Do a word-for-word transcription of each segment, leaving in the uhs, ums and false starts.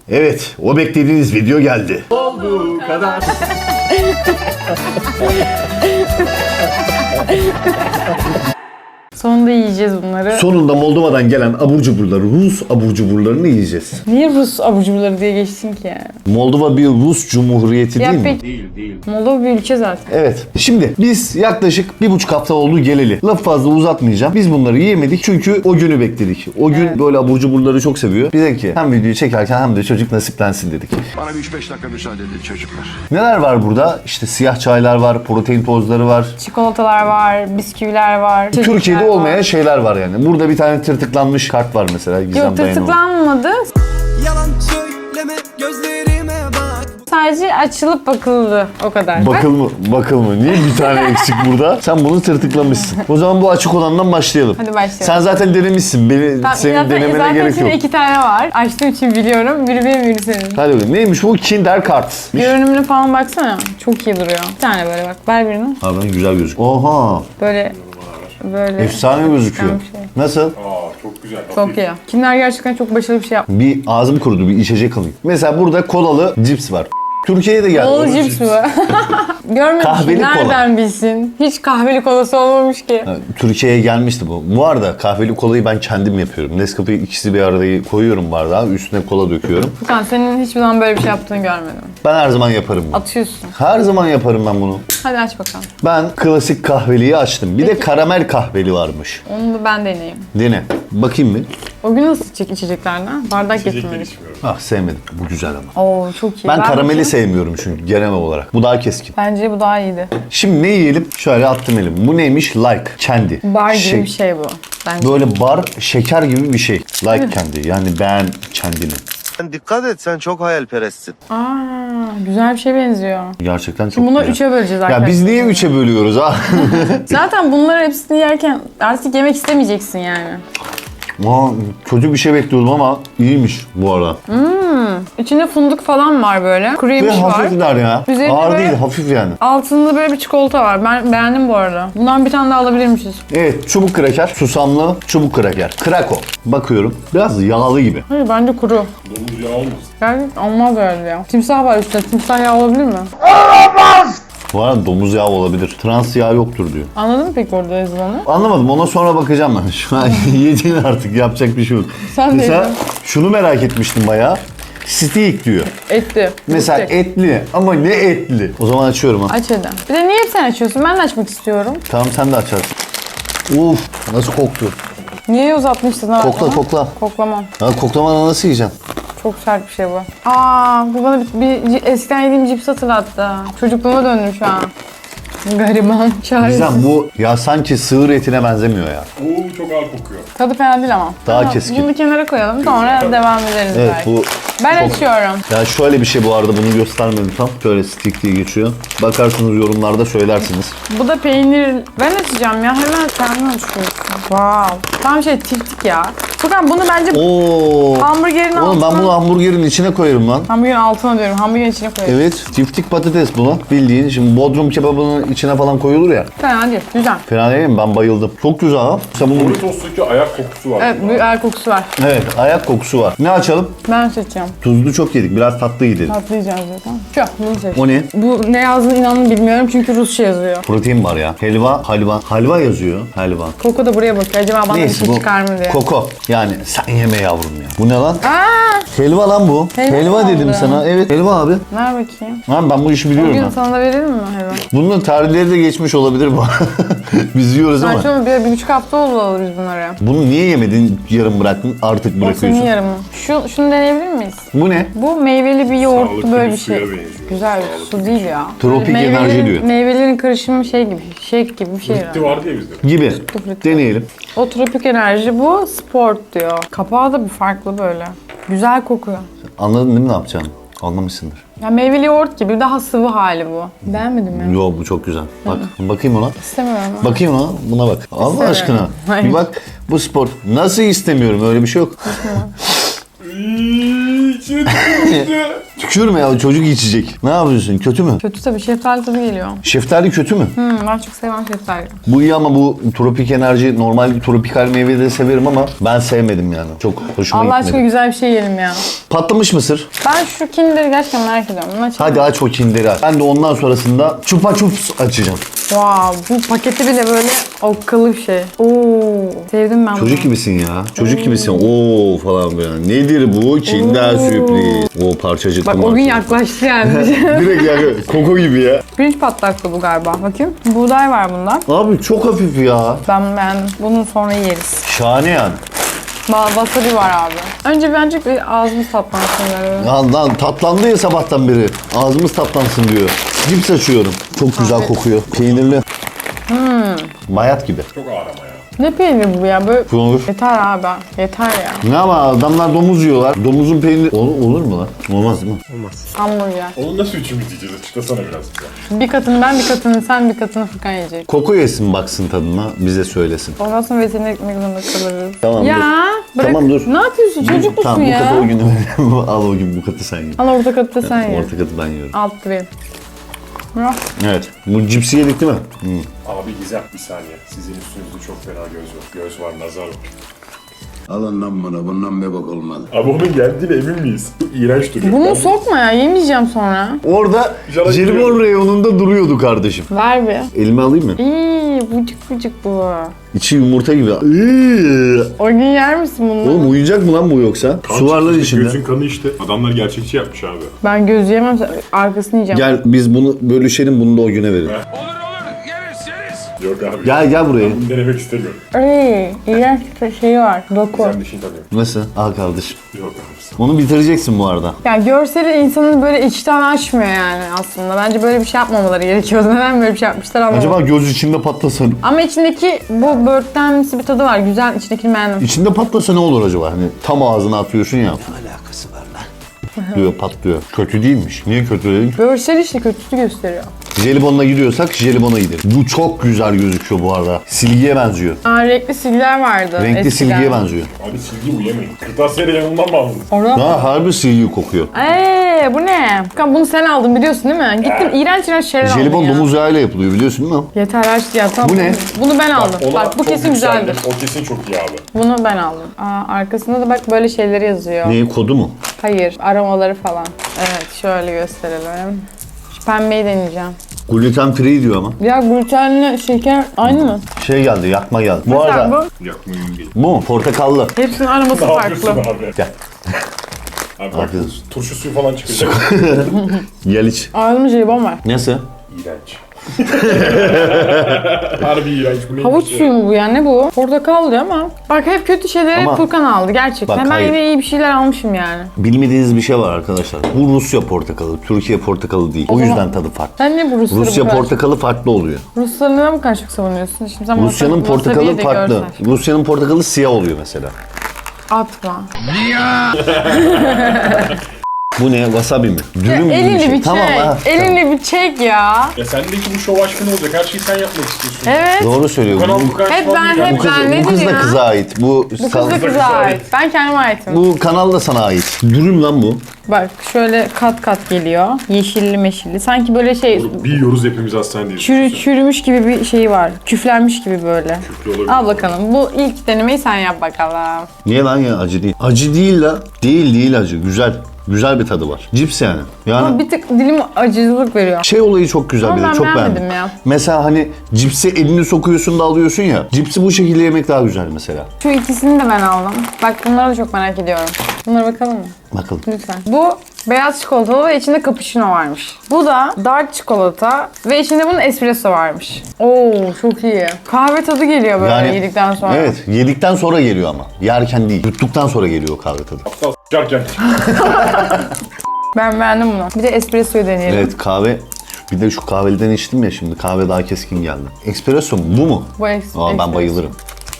Evet, o beklediğiniz video geldi. Olduğu kadar. Sonunda yiyeceğiz bunları. Sonunda Moldova'dan gelen abur cuburları, Rus abur cuburlarını yiyeceğiz. Niye Rus abur cuburları diye geçtin ki yani? Moldova bir Rus cumhuriyeti Ya değil mi? peki, Değil değil. Moldova bir ülke zaten. Evet. Şimdi biz yaklaşık bir buçuk hafta oldu geleli. Laf fazla uzatmayacağım. Biz bunları yiyemedik çünkü o günü bekledik. O gün Evet. böyle abur cuburları çok seviyor. Bize ki hem videoyu çekerken hem de çocuk nasiplensin dedik. Bana bir üç beş dakika müsaade edin çocuklar. Neler var burada? İşte siyah çaylar var, protein tozları var. Çikolatalar var, bisküviler var. Türkiye'de çeşitler olmayan var. şeyler var yani. Burada bir tane tırtıklanmış kart var mesela. Gizem Yok, Dayanıoğlu. tırtıklanmadı. Yalan söyleme gözlerime bak. Sadece açılıp bakıldı. O kadar. Bakıl mı? Bakıl mı? Niye bir tane eksik burada? Sen bunu tırtıklamışsın. O zaman bu açık olandan başlayalım. Hadi başlayalım. Sen zaten denemişsin. Beni, Tamam, senin zaten, denemene zaten gerek şimdi yok. iki tane var. Açtığım için biliyorum. Biri benim, biri senin. Hadi bakalım. Neymiş bu? Kinder Kart. Görünümüne falan baksana. Çok iyi duruyor. Bir tane böyle bak. Ver birini. Harbiden güzel gözüküyor. Oha. Böyle böyle. Efsane gözüküyor. bir şey. Nasıl? Aa çok güzel. Çok iyi. Kimler gerçekten çok başarılı bir şey yapmış. Bir ağzım kurudu. Bir içecek alayım. Mesela burada kolalı cips var. Türkiye'ye de geldi. Bol cips mi? Görmemişim. Kahveli kola. Nereden bilsin? Hiç kahveli kolası olmamış ki. Ha, Türkiye'ye gelmişti bu. Bu arada kahveli kolayı ben kendim yapıyorum. Nescafe'yi ikisi bir arada koyuyorum bardağa. Üstüne kola döküyorum. Furkan, senin hiçbir zaman böyle bir şey yaptığını görmedim. Ben her zaman yaparım bunu. Atıyorsun. Her zaman yaparım ben bunu. Hadi aç bakalım. Ben klasik kahveliyi açtım. Bir de karamel kahveli varmış. Onu da ben deneyeyim. Dene. Bakayım mı? O gün nasıl içecek içeceklerden? Bardak getirmedik. Ah sevmedim. Bu güzel ama. Oo, çok iyi. Ben karameli bakayım. sevmiyorum çünkü genel olarak. Bu daha keskin. Bence bu daha iyiydi. Şimdi ne yiyelim? Şöyle attım elim. Bu neymiş? Like. Kendi. Bar gibi Şey- bir şey bu. Bence. Böyle bar, şeker gibi bir şey. Like kendi. Yani beğen kendini. Sen dikkat et, sen çok hayalperestsin. Aa, güzel bir şey benziyor. Gerçekten çok Şimdi bunları güzel. üçe böleceğiz arkadaşlar. Ya biz niye üçe bölüyoruz ha? Zaten bunları hepsini yerken artık yemek istemeyeceksin yani. Aa, kötü bir şey bekliyordum ama iyiymiş bu arada. İçinde fındık falan var böyle. Kuru Ve yemiş var. hafifler ya. Üzerinde Ağır böyle- değil, hafif yani. Altında böyle bir çikolata var. Ben beğendim bu arada. Bundan bir tane daha alabilirmişiz. Evet, çubuk kraker. Susamlı çubuk kraker. Krako. Bakıyorum. Biraz yağlı gibi. Hayır, bence kuru. Domuz yağı olmasın. Yani olmaz öyle ya. Timsah var üstte. Timsah yağı olabilir mi? Bu arada domuz yağı olabilir. Trans yağı yoktur diyor. Anladın mı peki orada yazılanı? Anlamadım. Ona sonra bakacağım ben. Şu an yediğin artık. Yapacak bir şey yok. Sen de Mesela yedin. şunu merak etmiştim bayağı. Steak diyor. Etli. Mesela Biftek. etli ama ne etli? O zaman açıyorum ha. Aç hadi. Bir de niye hep sen açıyorsun? Ben de açmak istiyorum. Tamam sen de açarsın. Uf nasıl koktu. Niye uzatmıştın ha? Kokla bana? kokla. Koklamam. Ya koklamadan nasıl yiyeceksin? Çok sert bir şey bu. Aa, bu bana bir, bir eskiden yediğim cips hatırlattı. Çocukluğuma döndüm şu an. Gariban, çaresiz. Bizden bu ya sanki sığır etine benzemiyor ya. Oo çok ağır kokuyor. Tadı fena değil ama. Daha Tamam, keskin. Bunu bir kenara koyalım, sonra devam ederiz Evet belki. bu Ben çok- açıyorum. Ya şöyle bir şey bu arada bunu göstermedim tam. Şöyle stick diye geçiyor. Bakarsınız yorumlarda söylersiniz. Bu da peynir. Ben açacağım ya. Hemen kendin açıyorsun. Wow. Tam şey tiftik ya. Furkan bunu bence Oo. hamburgerin Oğlum ben altına... bunu hamburgerin içine koyarım lan. Hamburgerin altına diyorum. Hamburgerin içine koyuyorum. Evet, tiftik patates bunu. Bildiğin şimdi bodrum kebabının içine falan koyulur ya. Fena değil. Güzel. Fena değil mi? Ben bayıldım. Çok güzel ha. Sen bunu... Doritos'taki ayak kokusu var. Evet, bir el kokusu var. Evet, ayak kokusu var. Ne açalım? Ben seçeceğim. Tuzlu çok yedik. Biraz tatlı gidelim. Patlayacağız zaten. Şu, bunu seç. O ne? Bu ne yazdığını inanın bilmiyorum çünkü Rusça yazıyor. Protein var ya. Helva, halva. Halva yazıyor. Helva. Koko da buraya bakıyor. Acaba bana bir Neyse şey bu çıkar mı diye. koko. Yani sen yeme yavrum ya. Bu ne lan? Aa, Helva lan bu. Helva Helva, mı dedim oldu? sana. Evet helva abi. ver bakayım. Lan ben bu işi biliyorum Bugün ha. sana da verelim mi hayvan? Bunun tarihleri de geçmiş olabilir bu. Biz yiyoruz ama. Saçma bir, bir buçuk hafta oldu alalı biz bunları. Bunu niye yemedin? Yarım bıraktın. Artık O senin bırakıyorsun. yarımı. Şu, şunu deneyebilir miyiz? Bu ne? Bu meyveli bir yoğurtlu Sağlıklı böyle bir bir şey. suya benziyor. Güzel su değil ya. Tropik Böyle enerji meyvelerin- diyor. Meyvelerin karışımı şey gibi, shake gibi bir şey Bitti herhalde. vardı ya bizde. Gibi. Tuflit. Deneyelim. O tropik enerji, bu sport diyor. Kapağı da bir farklı böyle. Güzel kokuyor. Anladın değil mi ne yapacağını? Anlamışsındır. Ya meyveli yoğurt gibi, daha sıvı hali bu. Beğenmedin mi? Yo bu çok güzel. Bak bakayım ona. İstemiyorum ama. Bakayım ona. Buna bak. Allah İstemiyorum. aşkına. Hayır. Bir bak bu spor. Nasıl istemiyorum? Öyle bir şey yok. İç. İçine tükürmüştü. Tükürme ya, çocuk içecek. Ne yapıyorsun? Kötü mü? Kötü tabii, şeftali tadı geliyor. Şeftali kötü mü? Hmm, ben çok sevmem şeftali. Bu iyi ama bu tropik enerji, normal tropikal meyveleri severim ama ben sevmedim yani. Çok hoşuma Allah aşkına gitmedi. güzel bir şey yiyelim ya. Patlamış mısır. Ben şu kinder'i gerçekten merak ediyorum. Bunu açalım. Hadi aç o kinderi aç. Ben de ondan sonrasında çupa çups açacağım. Wow, bu paketi bile böyle okkalı bir şey. Oo, sevdim ben bunu. Çocuk gibisin ya. Çocuk gibisin. Oo falan böyle. Nedir bu? Kinder sürpriz. O parçacıklı Bak o gün marçacıklı. yaklaştı yani. Direkt yani koko gibi ya. Pirinç patlaklı bu galiba. Bakayım. Buğday var bunda. Abi çok hafif ya. Ben beğendim. Bunu sonra yeriz. Şahane yani. Ba- Wasabi var abi. Önce bence bir ağzımız tatlansın böyle. Lan lan tatlandı ya sabahtan beri. Ağzımız tatlansın diyor. Cips açıyorum. Çok güzel kokuyor. Peynirli. Hmm. Bayat gibi. Çok ağır ama ya. Ne peynir bu ya? Böyle... Bu olur. Yeter abi. Yeter ya. Ne ama adamlar domuz yiyorlar. Domuzun peyniri... Olur, olur mu lan? Olmaz değil mi? Hamburger. Onu nasıl üçümüz yiyeceğiz? Açıklasana biraz bize. Bir katını ben, bir katını sen, bir katını Furkan yiyecek. Koku yesin baksın tadına. Bize söylesin. Ondan sonra veteriner gitmek zorunda kalırız. Tamam, ya, dur. bırak. Tamam, dur. Ne yapıyorsun? Çocuk musun Tamam, bu katı ya? o gün al o gün bu katı sen ye. Al orta katı da sen ye. Orta katı ben yiyorum. Altta benim. Ya. Evet. Bu cipsi yedik değil mi? Hı. Abi Gizem bir saniye. Sizin üstünüzde çok fena göz var. Göz var, nazar var. Alın lan bunu, bundan bir bak olmadı. Abi onun geldiğine emin miyiz? İğrenç duruyor. Bunu Ben- sokma ya. Yemeyeceğim sonra. Orada Jala jelibon gidiyor. reyonunda duruyordu kardeşim. Ver bir. Elime alayım mı? İyi, bucuk bucuk bu. İçi yumurta gibi. Iıı. O gün yer misin bunu? Oğlum uyuyacak mı lan bu yoksa? Kan Su var lan çıktı, içinde. Gözün kanı işte. Adamlar gerçekçi yapmış abi. Ben göz yemem, arkasını yiyeceğim. Gel biz bunu bölüşelim, bunu da o güne verelim. Yok abi. Gel gel buraya. Bunu denemek istemiyorum. Ay, iğrenç bir şey var. Doku. Gizem dişini tanıyor. Nasıl? Al kardeşim. Yok abi. Onu bitireceksin bu arada. Yani görseli insanın böyle içten açmıyor yani aslında. Bence böyle bir şey yapmamaları gerekiyordu. Neden böyle bir şey yapmışlar anlamadım. Acaba göz içinde patlasa, Ama içindeki bu böğürtlenmesi bir tadı var. Güzel, içindekini beğendim. içinde patlasa ne olur acaba? Hani tam ağzına atıyorsun ya. Ne alakası var lan? Diyor patlıyor. Kötü değilmiş. Niye kötü dedin? Görsel işte kötüsü gösteriyor. Jelibonla gidiyorsak jelibona gidelim. Bu çok güzel gözüküyor bu arada. Silgiye benziyor. Aa, renkli silgiler vardı Renkli eskiden. silgiye benziyor. Abi silgi uyuyamayın. Kırtasiyeyle yanından mı aldınız? Orada... Ha harbi silgi kokuyor. Eee bu ne? Furkan bunu sen aldın biliyorsun değil mi? Gittin iğrenç iğrenç şeyler aldın Jelibon ya. domuz yağıyla yapılıyor biliyorsun değil mi? Yeter aç ya tamam. Bu ne? Bunu ben aldım. Ona Bak bu çok kesin yükseldim. güzeldir. O kesin çok iyi abi. Bunu ben aldım. Aa, arkasında da bak böyle şeyleri yazıyor. Neyi kodu mu? Hayır, aromaları falan. Evet, şöyle gösterelim. Şu pembeyi deneyeceğim. Gluten free diyor ama. Ya glutenle şeker aynı mı? Şey geldi, yakma geldi. Bu Mesela arada bu. Yakmayın değil. bu mu? Portakallı. Hepsinin aroması Ne yapıyorsun farklı. abi? Gel. Abi bak Afiyet turşu suyu falan çıkacak. Gel iç. Ağzımda jelibon var. Nasıl? İğrenç. Harbi iğrenç. Bu neymiş Havuç ya? suyu mu bu ya? Ne bu? Portakal diyor ama. Bak hep kötü şeyleri Ama- Furkan aldı gerçekten. Bak, ben hayır. yine iyi bir şeyler almışım yani. Bilmediğiniz bir şey var arkadaşlar. Bu Rusya portakalı, Türkiye portakalı değil. O, zaman- yüzden tadı farklı. Sen niye bu Rusları Rusya bu kadar... portakalı farklı oluyor. Rusları neden bu kadar çok savunuyorsun? Şimdi sen Rusya'nın wasabi- portakalı wasabi'yi de farklı. görsen. Rusya'nın portakalı siyah oluyor mesela. Atma. Bu ne? Wasabi mi? Ya, Dürüm gibi elini bir şey. bir Tamam çek. ha. elini bir çek ya. Ya sendeki bu şov aşkı ne olacak? Her şeyi sen yapmak istiyorsun. Evet. Doğru söylüyor. Kanal Bu, bu kadar Hep şov ben- değil hep yani. bu kız, ben bu kız nedir da ya? kıza ait. Bu, Bu kız sal- da kıza ait. Ben kendime aitim. bu kanal da sana ait. Dürüm lan bu. Bak şöyle kat kat geliyor. Yeşilli meşilli. Sanki böyle şey Bir yiyoruz hepimiz hastanedeyiz. çürü, çürümüş gibi bir şey var. Küflenmiş gibi böyle. Küflü olabilir. Al bakalım. Bu ilk denemeyi sen yap bakalım. Niye lan ya? Acı değil. Acı değil la. Değil değil acı. Güzel. Güzel bir tadı var. Cips yani. Yani Ama bir tık dilim acılık veriyor. şey olayı çok güzel Ama bir de. ben Çok beğenmedim beğendim. ya. Mesela hani cipsi elini sokuyorsun da alıyorsun ya. Cipsi bu şekilde yemek daha güzel mesela. Şu ikisini de ben aldım. Bak bunları da çok merak ediyorum. Bunlara bakalım mı? Bakalım. Lütfen. Bu beyaz çikolatalı ve içinde cappuccino varmış. Bu da dark çikolata ve içinde bunun espresso varmış. Oo çok iyi. Kahve tadı geliyor böyle yedikten sonra. Evet. Yedikten sonra geliyor ama. Yerken değil. Yuttuktan sonra geliyor o kahve tadı. Aptal s**arken. Ben beğendim bunu. Bir de espressoyu deneyelim. Evet kahve. Bir de şu kahveliden içtim ya şimdi. Kahve daha keskin geldi. Espresso mu? Bu mu? Bu es- Aa, espresso. ben bayılırım.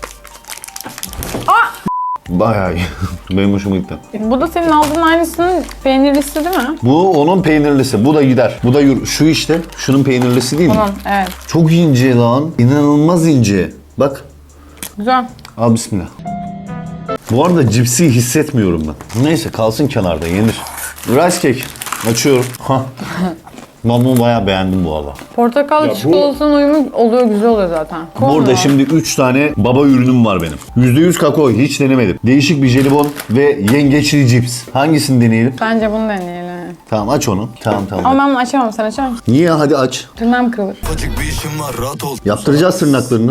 Bayağı iyi. Benim hoşuma gitti. Bu da senin aldığın aynısının peynirlisi değil mi? Bu onun peynirlisi. Bu da gider. Bu da yürü. Şu işte. Şunun peynirlisi değil mi? Bunun evet. Çok ince lan. İnanılmaz ince. Bak. Güzel. Al bismillah. Bu arada cipsi hissetmiyorum ben. Neyse kalsın kenarda yenir. Rice cake. Açıyorum. Hah. Ben bunu bayağı beğendim bu arada. Portakal Ya bu- çikolatanın uyumu oluyor, güzel oluyor zaten. Burada Korna. şimdi üç tane baba ürünüm var benim. yüzde yüz kakao hiç denemedim. Değişik bir jelibon ve yengeçli cips. Hangisini deneyelim? Bence bunu deneyelim. Tamam aç onu. Tamam tamam. Ama ben bunu açamam, sen açar mısın? Niye? Hadi aç. Tırnağım kırılır. Acık bir işim var rahat ol. Yaptıracağız tırnaklarını.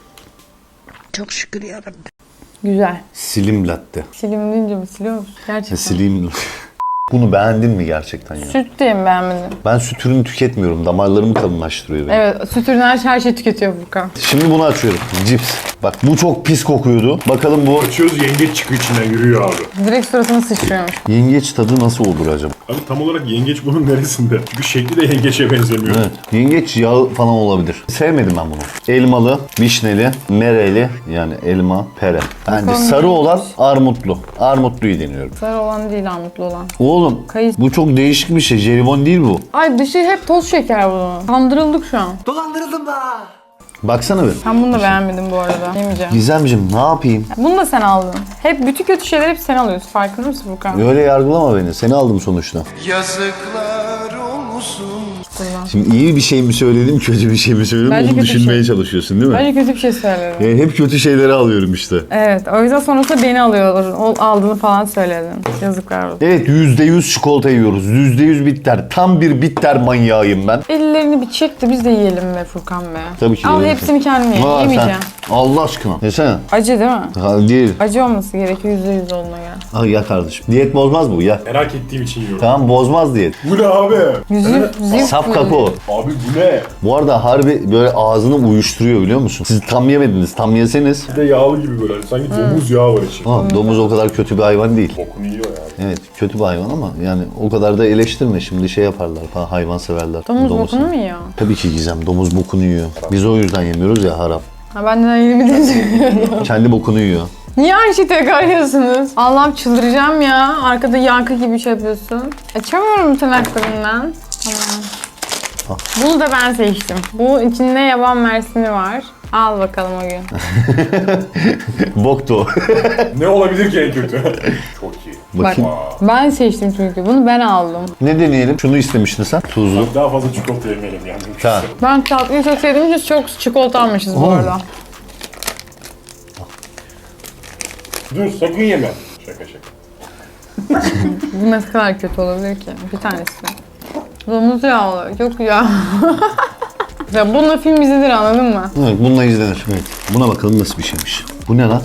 Güzel. Slim latte. Silim deyince mi siliyor musun? Gerçekten. Slim. Bunu beğendin mi gerçekten ya? Süt diye mi beğenmedin? Ben süt ürünü tüketmiyorum. Damarlarımı kalınlaştırıyor benim. Evet, süt ürünü her, her şey tüketiyor Furkan. Şimdi bunu açıyorum. Cips. Bak bu çok pis kokuyordu. Bakalım bu Açıyoruz, yengeç çıkıyor içinden, yürüyor abi. Direkt suratına sıçrıyormuş. yengeç tadı nasıl olur acaba? Abi tam olarak yengeç bunun neresinde? Çünkü şekli de yengeçe benzemiyor. Evet. Yengeç yağı falan olabilir. Sevmedim ben bunu. Elmalı, vişneli, mereli yani elma, pere. Bence Bakalım sarı neymiş? olan armutlu. Armutluyu deniyorum. Sarı olan değil, armutlu olan. Oğlum Kayısı. bu çok değişik bir şey. Jelibon değil bu. Ay dışı hep toz şeker bunun. Kandırıldık şu an. Dolandırıldım da. Baksana bir. Ben bunu da beğenmedim bu arada. Yemeyeceğim. Gizemciğim ne yapayım? Bunu da sen aldın. Hep bütün kötü şeyleri hep sen alıyorsun. Farkında mısın Furkan? Öyle yargılama beni. Seni aldım sonuçta. Yazıklar olsun. Şimdi iyi bir şey mi söyledim, kötü bir şey mi söyledim Bence onu kötü bir düşünmeye şey. çalışıyorsun değil mi? Bence kötü bir şey söyledin. Yani hep kötü şeyleri alıyorum işte. Evet, o yüzden sonrasında beni alıyorlar. O aldığını falan söyledin. Yazıklar olsun. Evet yüzde yüz çikolata yiyoruz. yüzde yüz bitter. Tam bir bitter manyağıyım ben. Ellerini bir çek de biz de yiyelim be Furkan be. Tabii ki Al yiyelim. hepsini kendine ye. Aa, Yemeyeceğim. sen- Allah aşkına. Yesene. Acı değil mi? Ha, değil. Acı olması gerekiyor yüzde yüz olduğuna göre. Al ya kardeşim. Diyet bozmaz bu ya. Merak ettiğim için yiyorum. Tamam bozmaz diyet. Bu ne abi? Yüzü, yüzü Saf kakao. Abi bu ne? Bu arada harbi böyle ağzını uyuşturuyor biliyor musun? Siz tam yemediniz. Tam yeseniz. Bir de yağlı gibi böyle. Hani sanki domuz yağı var içinde. Tamam domuz o kadar kötü bir hayvan değil. Bokunu yiyor yani. Evet kötü bir hayvan ama yani o kadar da eleştirme. Şimdi şey yaparlar falan hayvan severler. Domuz Domuz- bokunu mu yiyor? Tabii ki Gizem. Domuz bokunu yiyor. Biz o yüzden yemiyoruz ya haram. Ha ben de yeni bir söylüyorum. Kendi bokunu yiyor. Niye aynı şeyi tekrar yiyorsunuz? Allah'ım çıldıracağım ya. Arkada yankı gibi şey yapıyorsun. Açamıyorum tırnaklarımdan. Tamam. Bunu da ben seçtim. Bu içinde yaban mersini var. Al bakalım o gün. Boktu o. Ne olabilir ki en kötü? Çok iyi. Bak Bakayım. ben seçtim çünkü. Bunu ben aldım. Ne deneyelim? Şunu istemiştin sen. Tuzlu. Bak daha fazla çikolata yemeyelim yani. Tamam. Ben tatlıyı çok sevdiğim için çok çikolata almışız bu Oo. arada. Dur sakın yeme. Şaka şaka. Bu ne kadar kötü olabilir ki? Bir tanesi. Domuz yağlı. Çok güzel. Ya bununla film izlenir anladın mı? Evet bununla izlenir. Evet. Buna bakalım nasıl bir şeymiş. Bu ne lan?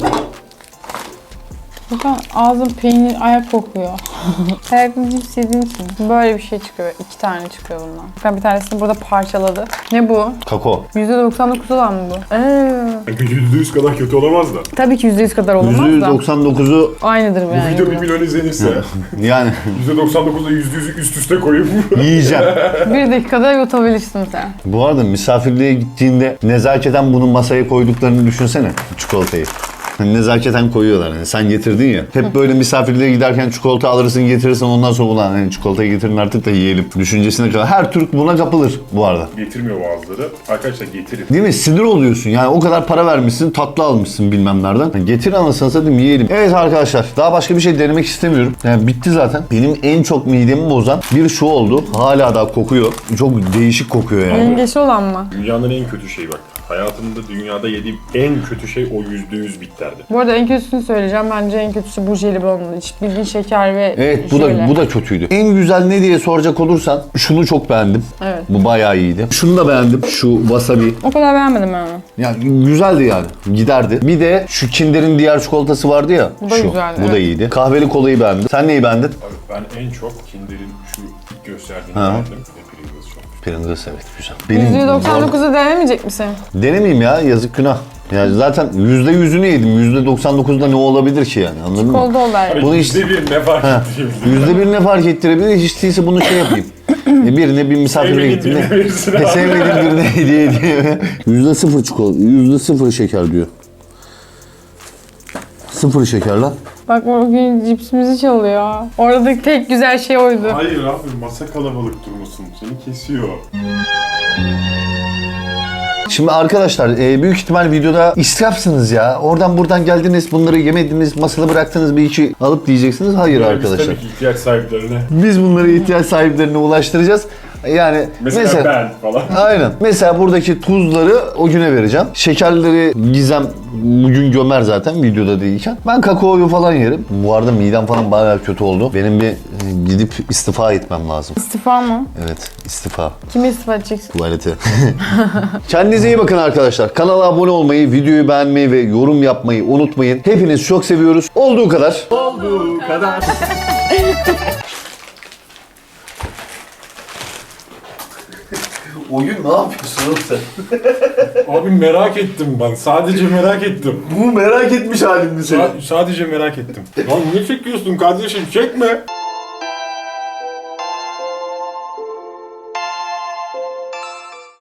Furkan ağzın peynir ayak kokuyor. Hayatımda cips yediğin için. Böyle bir şey çıkıyor. İki tane çıkıyor bundan. Furkan bir tanesini burada parçaladı. Ne bu? Kakao. yüzde doksan dokuz olan mı bu? Eee. yüzde yüz kadar kötü olamaz da. Tabii ki yüzde yüz kadar olamaz da. yüzde doksan dokuzu Aynıdır Bu yani. video bu. bir milyon izlenirse yani yüzde doksan dokuzla yüzde yüzü üst üste koyup yiyeceğim. Bir dakikada yutabilirsin sen. Bu arada misafirliğe gittiğinde nezaketen bunu masaya koyduklarını düşünsene çikolatayı. Hani nezaketen koyuyorlar. Yani sen getirdin ya. Hep böyle misafirliğe giderken çikolata alırsın getirirsen ondan sonra ulan hani çikolatayı getirin artık da yiyelim düşüncesine kadar. Her Türk buna kapılır bu arada. getirmiyor bazıları. Arkadaşlar getirin. Değil mi? Sinir oluyorsun. Yani o kadar para vermişsin, tatlı almışsın bilmem nereden. Yani getir anasını satayım yiyelim. Evet arkadaşlar, daha başka bir şey denemek istemiyorum. Yani bitti zaten. Benim en çok midemi bozan bir şu oldu. Hala daha kokuyor. Çok değişik kokuyor yani. Yengeçli olan mı? Dünyanın en kötü şeyi bak. Hayatımda dünyada yediğim en kötü şey o yüzde yüz bitterdi. Bu arada en kötüsünü söyleyeceğim. Bence en kötüsü bu jelibonlu. Hiç bildiğin şeker ve Evet bu jöle. da bu da kötüydü. En güzel ne diye soracak olursan şunu çok beğendim. Evet. Bu bayağı iyiydi. Şunu da beğendim. Şu wasabi. O kadar beğenmedim ben onu. Yani güzeldi yani. Giderdi. Bir de şu Kinder'in diğer çikolatası vardı ya. Bu da şu. güzeldi, Bu da evet. iyiydi. Kahveli kolayı beğendim. Sen neyi beğendin? Abi ben en çok Kinder'in şu ilk gösterdiğini Ha. beğendim. Bir de Pringles çok. Pringles evet güzel. yüzde doksan dokuzu denemeyecek misin? Denemeyeyim ya yazık günah. Yani zaten yüzde yüzünü yedim. yüzde doksan dokuzda ne olabilir ki yani anladın mı? Kolda ol der. Abi Bunu yüzde bir ne fark etti? Yüzde bir ne fark ettirebilir? Hiç değilse bunu şey yapayım. E, birine bir misafirliğe Sevmediğin gittiğimde. birine verirsin E, abi. sevmediğim birine hediye edeyim. Yüzde sıfır çikolata, yüzde sıfır şeker diyor. Sıfır şeker lan. Bak bugün cipsimizi çalıyor. Oradaki tek güzel şey oydu. Hayır abi masa kalabalık durmasın. Seni kesiyor. Şimdi arkadaşlar e, büyük ihtimal videoda israfsınız ya. Oradan buradan geldiniz, bunları yemediniz, masada bıraktınız, bir iki alıp diyeceksiniz. Hayır Yani arkadaşlar. Biz tabii ki ihtiyaç sahiplerine. Biz bunları ihtiyaç sahiplerine ulaştıracağız. Yani Mesela, mesela, ben falan. aynen. Mesela buradaki tuzları o güne vereceğim. Şekerleri Gizem bugün gömer zaten videoda değilken. Ben kakaoyu falan yerim. Bu arada midem falan bayağı kötü oldu. Benim bir e, gidip istifa etmem lazım. İstifa mı? Evet, istifa. Kime istifa edeceksin? Tuvalete. Kendinize iyi bakın arkadaşlar. Kanala abone olmayı, videoyu beğenmeyi ve yorum yapmayı unutmayın. Hepinizi çok seviyoruz. Olduğu kadar. Olduğu kadar. O gün ne yapıyorsun oğlum sen? Abi merak ettim ben. Sadece merak ettim. Bu merak etmiş halin mi senin? Sa- sadece merak ettim. Lan ne çekiyorsun kardeşim? Çekme.